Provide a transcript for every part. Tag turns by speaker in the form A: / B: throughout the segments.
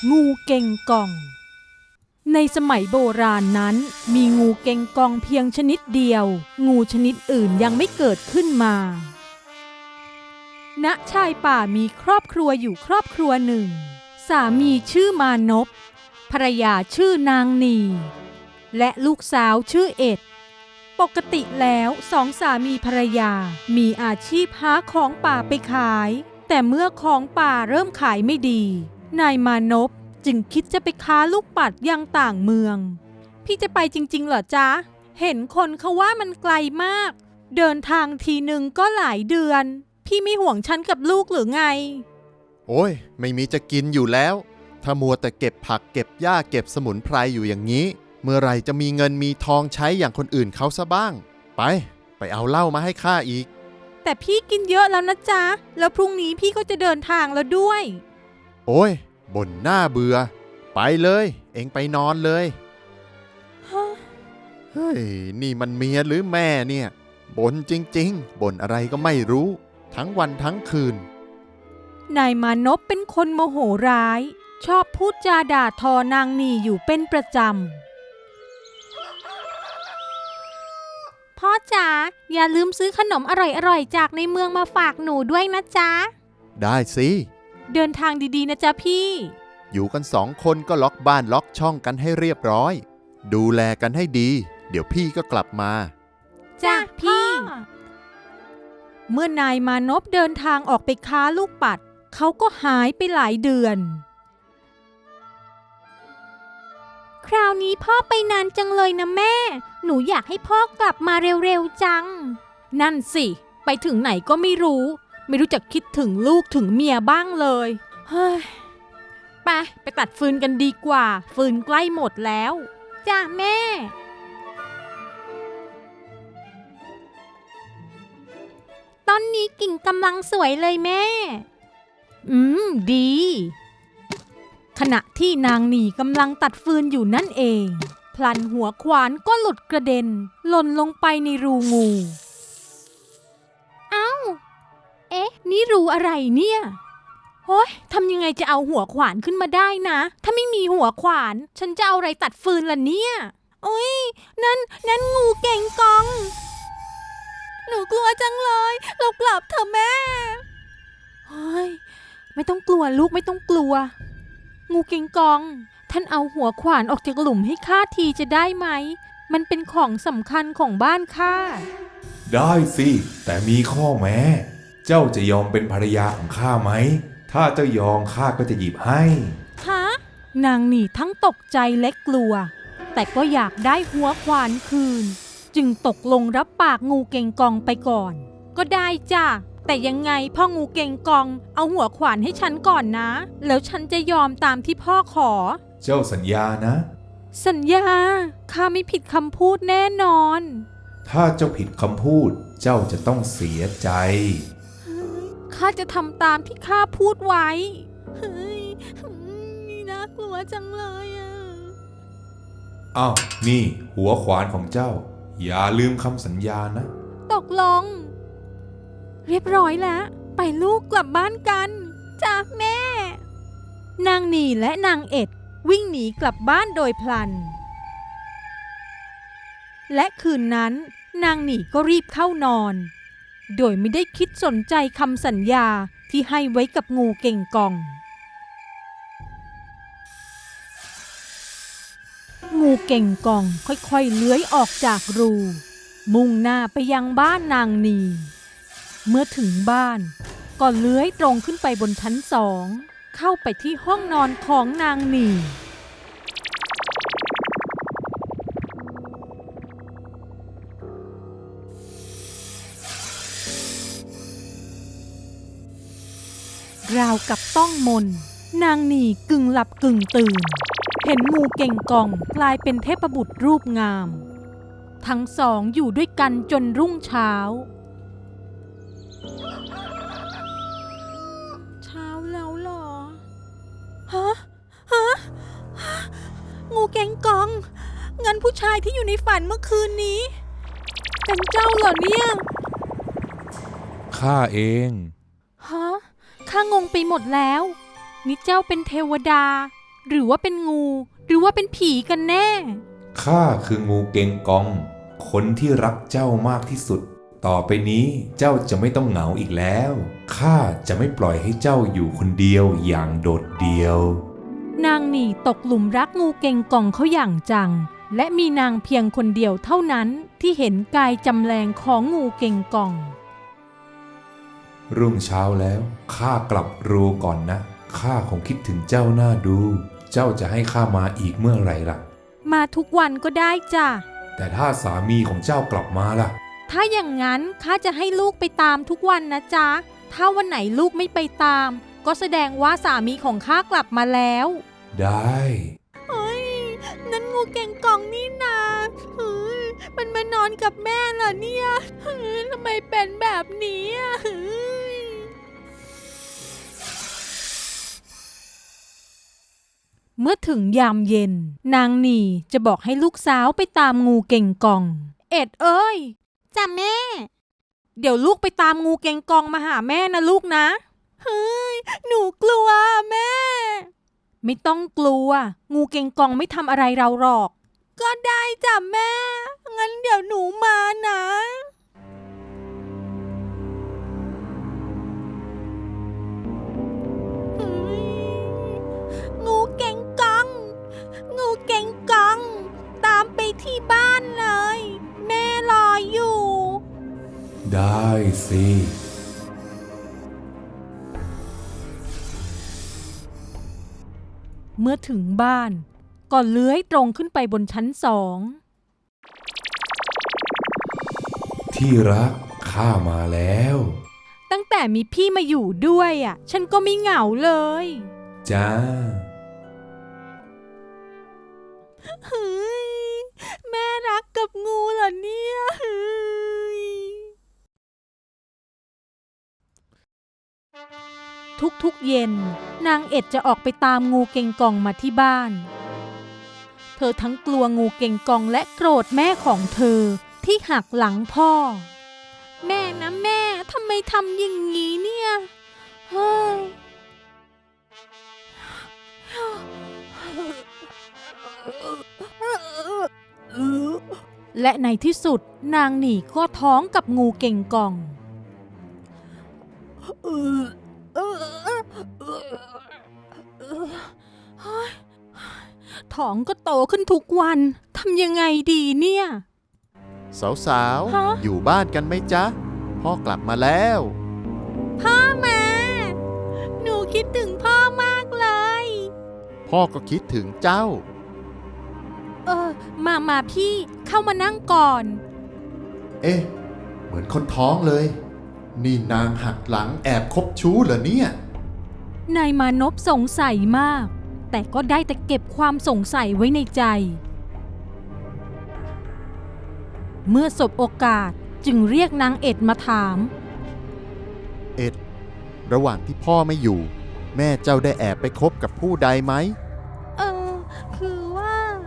A: งูเก่งกองในสมัยโบราณนั้นมีงูเก่งกองเพียงชนิดเดียวงูชนิดอื่นยังไม่เกิดขึ้นมาณชายป่ามีครอบครัวอยู่ครอบครัวหนึ่งสามีชื่อมานพภรรยาชื่อนางนีและลูกสาวชื่อเอ็ดปกติแล้วสองสามีภรรยามีอาชีพหาของป่าไปขายแต่เมื่อของป่าเริ่มขายไม่ดีนายมานพจึงคิดจะไปค้าลูกปัดยังต่างเมืองพี่จะไปจริงๆเหรอจ๊ะเห็นคนเขาว่ามันไกลมากเดินทางทีหนึ่งก็หลายเดือนพี่ไม่ห่วงฉันกับลูกหรือไง
B: โอ้ยไม่มีจะกินอยู่แล้วถ้ามัวแต่เก็บผักเก็บหญ้าเก็บสมุนไพรอยู่อย่างนี้เมื่อไหร่จะมีเงินมีทองใช้อย่างคนอื่นเขาซะบ้างไปเอาเหล้ามาให้ข้าอีก
A: แต่พี่กินเยอะแล้วนะจ๊ะแล้วพรุ่งนี้พี่ก็จะเดินทางแล้วด้วย
B: โอ้ยบ่นหน้าเบื่อไปเลยเอ็งไปนอนเลยเฮ้ยนี่มันเมียหรือแม่เนี่ยบ่นจริงๆบ่นอะไรก็ไม่รู้ทั้งวันทั้งคืน
A: นายมานพเป็นคนโมโหร้ายชอบพูดจาด่าทอนางนีอยู่เป็นประจำพ่อจ๋าอย่าลืมซื้อขนมอร่อยๆจากในเมืองมาฝากหนูด้วยนะจ๊ะ
B: ได้สิ
A: เดินทางดีๆนะจ๊ะพี่
B: อยู่กัน2 คนก็ล็อกบ้านล็อกช่องกันให้เรียบร้อยดูแลกันให้ดีเดี๋ยวพี่ก็กลับมา
A: จ้ะพี่เมื่อนายมานพเดินทางออกไปค้าลูกปัดเขาก็หายไปหลายเดือนคราวนี้พ่อไปนานจังเลยนะแม่หนูอยากให้พ่อกลับมาเร็วๆจังนั่นสิไปถึงไหนก็ไม่รู้จักคิดถึงลูกถึงเมียบ้างเลยเฮ้ยไปตัดฟืนกันดีกว่าฟืนใกล้หมดแล้วจ้าแม่ต้นนี้กิ่งกำลังสวยเลยแม่ดีขณะที่นางหนีกำลังตัดฟืนอยู่นั่นเองพลันหัวขวานก็หลุดกระเด็นหล่นลงไปในรูงูเอ้านี่รูอะไรเนี่ยโอ๊ยทำยังไงจะเอาหัวขวานขึ้นมาได้นะถ้าไม่มีหัวขวานฉันจะเอาอะไรตัดฟืนล่ะเนี่ยโอ๊ยนั่นงูเก่งกองหนูกลัวจังเลยเรากลับเถอะแม่เฮ้ยไม่ต้องกลัวลูกไม่ต้องกลัวงูเก่งกองท่านเอาหัวขวานออกจากหลุมให้ข้าทีจะได้ไหมมันเป็นของสำคัญของบ้านข้า
C: ได้สิแต่มีข้อแม้เจ้าจะยอมเป็นภรรยาของข้าไหมถ้าเจ้ายอมข้าก็จะหยิบให้
A: ฮะนางหนีทั้งตกใจและกลัวแต่ก็อยากได้หัวขวานคืนจึงตกลงรับปากงูเก่งกองไปก่อนก็ได้จ้ะแต่ยังไงพ่องูเก่งกองเอาหัวขวานให้ฉันก่อนนะแล้วฉันจะยอมตามที่พ่อขอ
C: เจ้าสัญญานะ
A: สัญญาข้าไม่ผิดคำพูดแน่นอน
C: ถ้าเจ้าผิดคำพูดเจ้าจะต้องเสียใจ
A: ข้าจะทำตามที่ข้าพูดไว้น่ากลัวจังเลย
C: อ้าวนี่หัวขวานของเจ้าอย่าลืมคำสัญญานะ
A: ตกลงเรียบร้อยแล้วไปลูกกลับบ้านกันจ้าแม่นางนีและนางเอ็ดวิ่งหนีกลับบ้านโดยพลันและคืนนั้นนางนีก็รีบเข้านอนโดยไม่ได้คิดสนใจคำสัญญาที่ให้ไว้กับงูเก่งกองงูเก่งกองค่อยๆเลื้อยออกจากรูมุ่งหน้าไปยังบ้านนางนีเมื่อถึงบ้านก็เลื้อยตรงขึ้นไปบนชั้น2เข้าไปที่ห้องนอนของนางนีราวกับต้องมนนางนีกึ่งหลับกึ่งตื่นเห็นงูเก่งกองกลายเป็นเทพบุตรรูปงามทั้งสองอยู่ด้วยกันจนรุ่งเช้าแล้วเหรอฮะงูเก่งกองงั้นผู้ชายที่อยู่ในฝันเมื่อคืนนี้เป็นเจ้าเหรอเนี่ย
C: ข้าเอง
A: ฮะข้างงไปหมดแล้วนี่เจ้าเป็นเทวดาหรือว่าเป็นงู หรือว่าเป็นผีกันแน่
C: ข้าคืองูเกงกอง คนที่รักเจ้ามากที่สุด ต่อไปนี้เจ้าจะไม่ต้องเหงาอีกแล้ว ข้าจะไม่ปล่อยให้เจ้าอยู่คนเดียวอย่างโดดเดี่ยว
A: นางหนี่ตกหลุมรักงูเก่งกองเขาอย่างจัง และมีนางเพียงคนเดียวเท่านั้นที่เห็นกายจำแรงของงูเก่งกอง
C: รุ่งเช้าแล้วข้ากลับรูก่อนนะ ข้าคงคิดถึงเจ้าหน้าดู เจ้าจะให้ข้ามาอีกเมื่อไหร่ล่ะ
A: มาทุกวันก็ได้จ้ะ
C: แต่ถ้าสามีของเจ้ากลับมาล่ะ
A: ถ้าอย่างนั้นข้าจะให้ลูกไปตามทุกวันนะจ๊ะ ถ้าวันไหนลูกไม่ไปตาม ก็แสดงว่าสามีของข้ากลับมาแล้ว
C: ได้
A: เฮ้ย นั่นงูเก่งกองนี่นาเฮ้ยมันมานอนกับแม่เหรอเนี่ยเฮ้ยทำไมเป็นแบบนี้อะเฮ้ยเมื่อถึงยามเย็น นางหนี่จะบอกให้ลูกสาวไปตามงูเก่งกอง เอ็ดเอ้ยจ้ะแม่ เดี๋ยวลูกไปตามงูเก่งกองมาหาแม่นะลูกนะ เฮ้ย หนูกลัวแม่ ไม่ต้องกลัว งูเก่งกองไม่ทำอะไรเราหรอก ก็ได้จ้ะแม่ งั้นเดี๋ยวหนูมานะเฮ้ยงูเก่งกอง งูเก่งกอง ตามไปที่บ้านเลย แม่รออยู่
C: ได้สิ
A: เมื่อถึงบ้านก็เลื้อยตรงขึ้นไปบนชั้นสอง
C: ที่รักข้ามาแล้ว
A: ตั้งแต่มีพี่มาอยู่ด้วยอ่ะ ฉันก็ไม่เหงาเลย
C: จ้า
A: เฮ้ย แม่รักกับงูเหรอเนี่ยเฮ้ยทุกๆเย็นนางเอ็ดจะออกไปตามงูเก่งกองมาที่บ้าน เธอทั้งกลัวงูเก่งกองและโกรธแม่ของเธอที่หักหลังพ่อ แม่นะแม่ทำไมทำอย่างนี้เนี่ยเฮ้ย และในที่สุดนางหนี่ก็ท้องกับงูเก่งกอง ท้องก็โตขึ้นทุกวันทำยังไงดีเนี่ย
B: สาว
A: ฮะ
B: ๆ อยู่บ้านกันไหมจ๊ะ พ่อกลับมาแล้ว
A: พ่อมาหนูคิดถึงพ่อมากเลย
B: พ่อก็คิดถึงเจ้า
A: มาพี่เข้ามานั่งก่อน
B: เอ๊ะ เหมือนคนท้องเลย นี่นางหักหลังแอบคบชู้เหรอเนี่ย
A: นายมานพสงสัยมาก แต่ก็ได้แต่เก็บความสงสัยไว้ในใจ เมื่อสบโอกาสจึงเรียกนางเอ็ดมาถาม
B: เอ็ด ระหว่างที่พ่อไม่อยู่ แม่เจ้าได้แอบไปคบกับผู้ใดไหม
A: คือว่า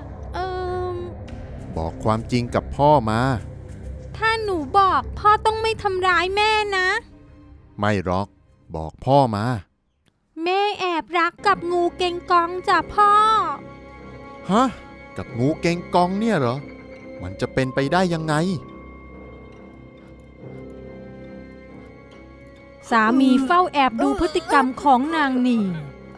B: บอกความจริงกับพ่อมา
A: ถ้าหนูบอกพ่อต้องไม่ทำร้ายแม่นะ
B: ไม่หรอก บอกพ่อมา
A: แม่แอบรักกับงูเก่งกองจ้ะพ่อ
B: ฮะ กับงูเกงกองเนี่ยเหรอ มันจะเป็นไปได้ยังไง
A: สามีเฝ้าแอบดูพฤติกรรมของนางหนี่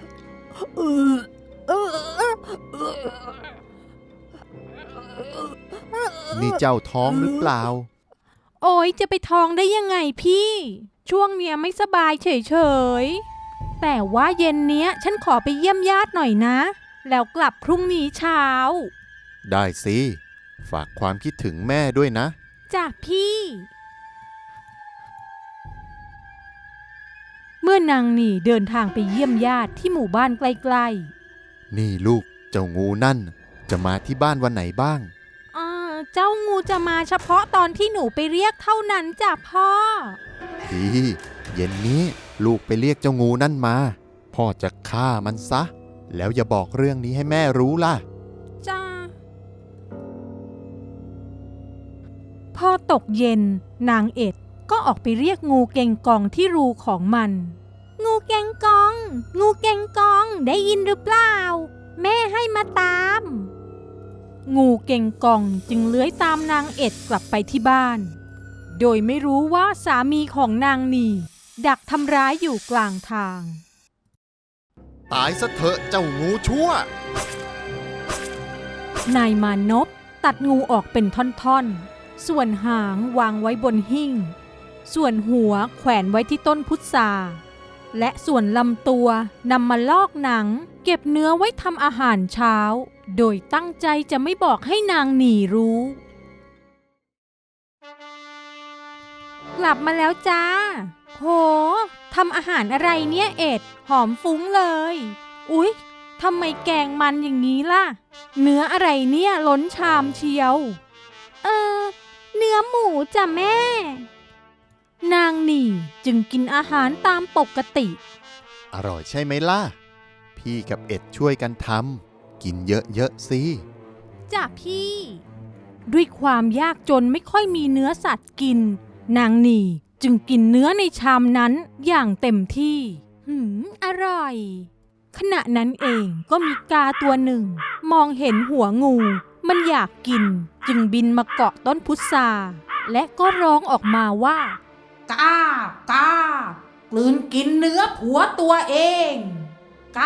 B: นี่เจ้าท้องหรือเปล่า
A: โอ้ยจะไปท้องได้ยังไงพี่ ช่วงเนี้ยไม่สบายเฉยๆ แต่ว่าเย็นเนี้ยฉันขอไปเยี่ยมญาติหน่อยนะ แล้วกลับพรุ่งนี้เช้า
B: ได้สิ ฝากความคิดถึงแม่ด้วยนะ
A: จ้ะพี่ เมื่อนางหนี่เดินทางไปเยี่ยมญาติที่หมู่บ้านใกล้ๆ
B: นี่ลูก เจ้างูนั่น จะมาที่บ้านวันไหนบ้าง
A: เจ้างูจะมาเฉพาะตอนที่หนูไปเรียกเท่านั้นจ้ะพ่อ
B: ดี เย็นนี้ลูกไปเรียกเจ้างูนั่นมา พ่อจะฆ่ามันซะ แล้วอย่าบอกเรื่องนี้ให้แม่รู้ล่ะ
A: จ้า พอตกเย็นนางเอ็ดก็ออกไปเรียกงูเก่งกองที่รูของมัน งูเก่งกอง งูเก่งกองได้ยินหรือเปล่ามาตาม งูเก่งกองจึงเลื้อยตามนางเอ็ดกลับไปที่บ้านโดยไม่รู้ว่าสามีของนางนีดักทำร้ายอยู่กลางทาง
B: ตายซะเถอะเจ้างูชั่ว
A: นายมานพตัดงูออกเป็นท่อนๆส่วนหางวางไว้บนหิ้งส่วนหัวแขวนไว้ที่ต้นพุทราและส่วนลำตัวนำมาลอกหนังเก็บเนื้อไว้ทำอาหารเช้าโดยตั้งใจจะไม่บอกให้นางหนีรู้ กลับมาแล้วจ้าโหทำอาหารอะไรเนี่ยเอ็ดหอมฟุ้งเลยอุ๊ยทำไมแกงมันอย่างนี้ล่ะเนื้ออะไรเนี่ยล้นชามเชียวเนื้อหมูจ้ะแม่นางหนี่จึงกินอาหารตามปกติ
B: อร่อยใช่ไหมล่ะพี่กับเอ็ดช่วยกันทำกินเยอะๆสิ
A: จ้ะพี่ด้วยความยากจนไม่ค่อยมีเนื้อสัตว์กินนางหนี่จึงกินเนื้อในชามนั้นอย่างเต็มที่อร่อยขณะนั้นเองก็มีกาตัวหนึ่งมองเห็นหัวงูมันอยากกินจึงบินมาเกาะต้นพุทราและก็ร้องออกมาว่ากากลืนกินเนื้อผัวตัวเองก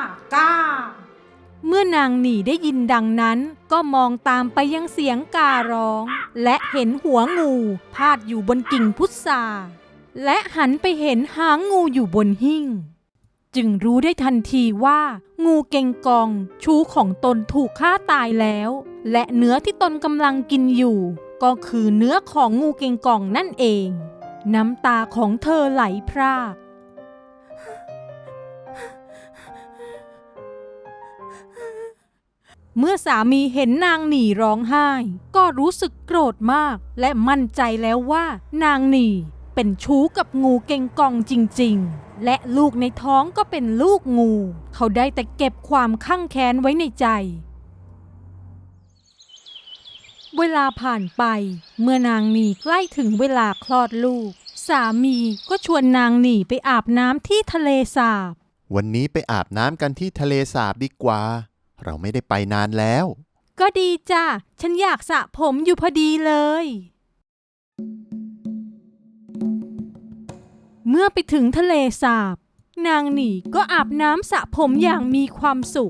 A: เมื่อนางหนี่ได้ยินดังนั้นก็มองตามไปยังเสียงการ้องและเห็นหัวงูพาดอยู่บนกิ่งพุทราและหันไปเห็นหางงูอยู่บนหิ้งจึงรู้ได้ทันทีว่างูเก่งกองชู้ของตนถูกฆ่าตายแล้วและเนื้อที่ตนกำลังกินอยู่ก็คือเนื้อของงูเก่งกองนั่นเองน้ำตาของเธอไหลพรากเมื่อสามีเห็นนางหนี่ร้องไห้ก็รู้สึกโกรธมากและมั่นใจแล้วว่านางหนี่เป็นชู้กับงูเก่งกองจริงๆและลูกในท้องก็เป็นลูกงูเขาได้แต่เก็บความข้างแค้นไว้ในใจเวลาผ่านไปเมื่อนางหนี่ใกล้ถึงเวลาคลอดลูกสามีก็ชวนนางหนี่ไปอาบน้ำที่ทะเลสาบ
B: วันนี้ไปอาบน้ำกันที่ทะเลสาบดีกว่าเราไม่ได้ไปนานแล้ว
A: ก็ดีจ้ะฉันอยากสระผมอยู่พอดีเลยเมื่อไปถึงทะเลสาบนางหนี่ก็อาบน้ำสระผมอย่างมีความสุข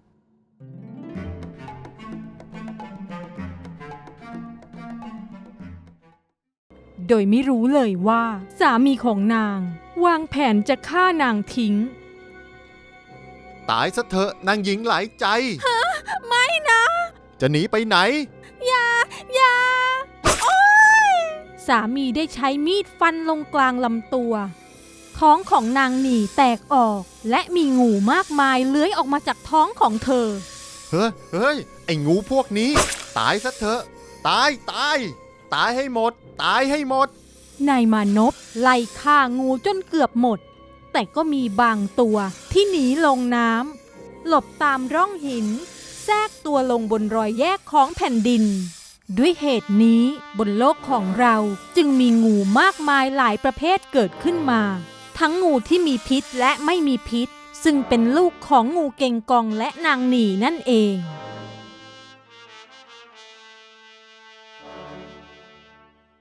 A: โดยไม่รู้เลยว่าสามีของนางวางแผนจะฆ่านางทิ้ง
B: ตายซะเถอะนางหญิงหลายใจ
A: ไม่นะ
B: จะหนีไปไหน
A: อย่าโอ๊ยสามีได้ใช้มีดฟันลงกลางลำตัวท้องของนางหนี่แตกออกและมีงูมากมายเลื้อยออกมาจากท้องของเธอ
B: เฮ้ยไอ้งูพวกนี้ตายซะเถอะตายให้หมดตายให้หมด
A: นายมานพไล่ฆ่างูจนเกือบหมดแต่ก็มีบางตัวที่หนีลงน้ำหลบตามร่องหินแทรกตัวลงบนรอยแยกของแผ่นดินด้วยเหตุนี้บนโลกของเราจึงมีงูมากมายหลายประเภทเกิดขึ้นมาทั้งงูที่มีพิษและไม่มีพิษซึ่งเป็นลูกของงูเก่งกองและนางหนี่นั่นเอง